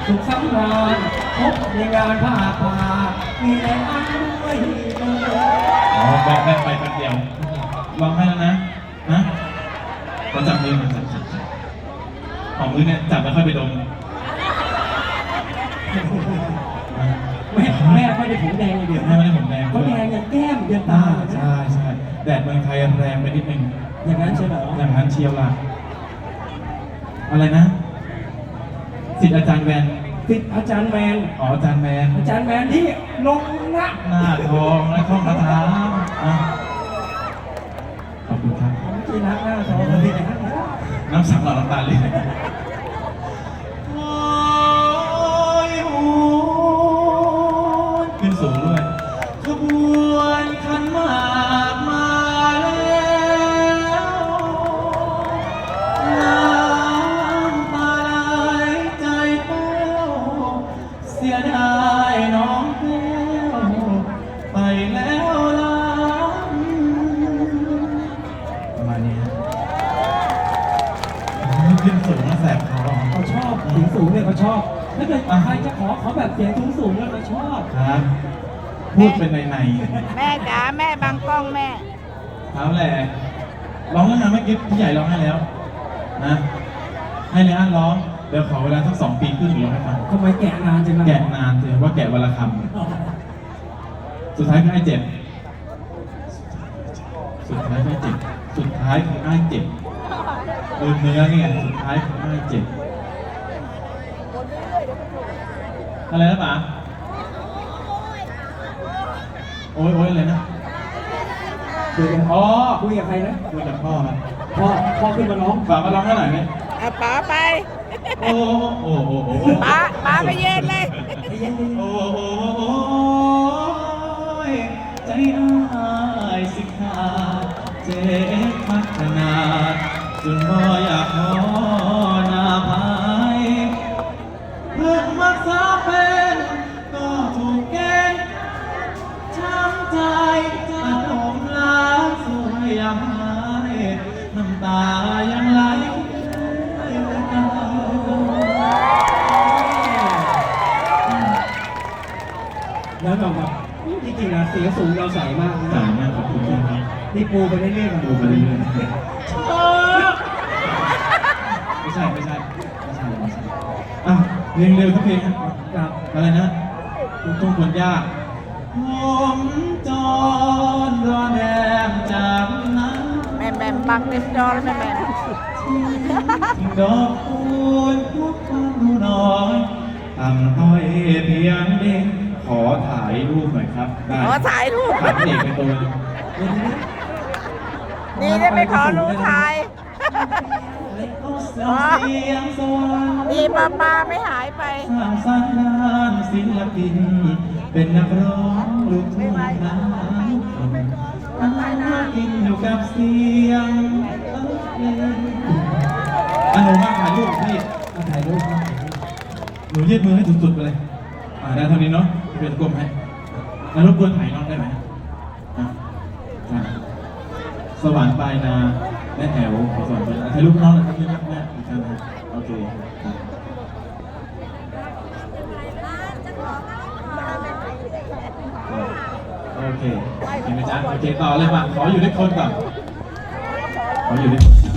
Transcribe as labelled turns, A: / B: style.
A: สุขสำราญพบในงานผ้าป่ามีแรงอันด้วย
B: อ๋อแวะไปแป๊บเดียวร้องให้แล้วนะเราจับมือมันจับของมือเนี่ยจับแล้วค่อยไปดม
A: แม่ไม่ได้ผมแดงอย่างเดียว
B: ไม่ได้ผมแดง
A: เขาแดงอย่างแก้มอย่างตา
B: ใช่แดดเมืองไทยแรงไปนิดนึง
A: อย่างนั้นใช่ไหม
B: อย่างนั้นเชียวล่ะอะไรนะศิษย์อาจารย์แวน
A: ศิษย์อาจารย์แมน
B: อ๋ออาจารย์แมน
A: ที่ลง
B: หน้าทองและท่องคาถาขอบคุณครับ
A: ที่รักหน้าทองเลยนะ
B: น้ำสังหล่อน้ำตาเลยขึ้นสูงด้วยขบวนขันหมากมาแล้วน้ำตาไหลใจแป้วเสียดายน้องแก้วไปแล้วล่ะประมาณนี้ขึ้นสูงแล้วแสบคอ
A: เขาชอบเสียงสูงเนี่ยเขาชอบถ้าเกิดใครจะขอแบบเสียงสูงเนี่ยเขาชอบ
B: ครับพูดเป็นใน
C: แม่จ๋าแม่บังกล้องแม่
B: เอาแหละร้องแล้วนะเมื่อกี้พี่ใหญ่ร้องให้แล้วนะให้เลยร้องเดี๋ยวขอเวลาสัก2 ปีครึ่งร้องให้ฟัง
A: ทำไมแกะนานจัง
B: แกะนานเลยว่าแกะวันละคำสุดท้ายก็ให้เจ็บสุดท้ายคือไอ้เจ็บเนื้อเนี่ยสุดท้ายคือไอ้เจ็บอะไรนะป๋าโอ้ยอะไรนะ
A: คุยกับใครนะ
B: คุยกับพ่อครับ
A: พ่อขึ้นมาร้อง
B: ป๋ามาร้องให้หน่อยไหม
C: ป๋าไป
B: โอ้
C: ป๋าไปเย็นเลย
B: โอ้ยใจอ้ายสิขาเจ็บพัฒนาจนบ่อยากขอหน้าภายเพื่อนมักษาเป็นก็ถูกแกล้งช้ำใจจะดมล้างสวยยังหายน้ำตายังไหล
A: แล้วแบบจริงๆนะเสียงสูงเราใส่มาก
B: ใส่มากขอบคุณครับ
A: นี่ปูไปเรื่อยๆ
B: ปูไปเรื่อยๆไม่ใช่เพลงเร็วทุกเพลงครับอะไรนะลูกทุ่งคนยากผมจรรอแดงจากนั้น
C: แม่บังเต็มจอแล้วแม่
B: ดอกคูณพุกความน้อยทำต้อยเพียงเด้งขอถ่ายรูปหน่อยครับ
C: ขอถ่ายรูป
B: ถ่ายเด็กเป็นตัว
C: นี่ได้ไม่ขอรูปถ่ายดีป้าไม่หายไป
B: สร้างสรรค์งานศิลปินเป็นนักร้องลูกทุ่งน้ำกินอยู่กับเสียงหนูมาถ่ายรูปพี่ถ่ายรูปหนูยืดมือให้สุดๆไปเลยได้เท่านี้เนาะพี่เป็นกลมให้แล้วรบกวนถ่ายน้องได้ไหมสวรรค์ปลายนาแม่แถวขอสวรรค์ไปถ่ายรูปน้องหน่อยครับนี่นะแม่อีกครั้งนะโอเคโอเคเห็นไหมจ๊ะโอเคต่อเลยมาขออยู่ด้วยคนก่อนขออยู่ด้วยคน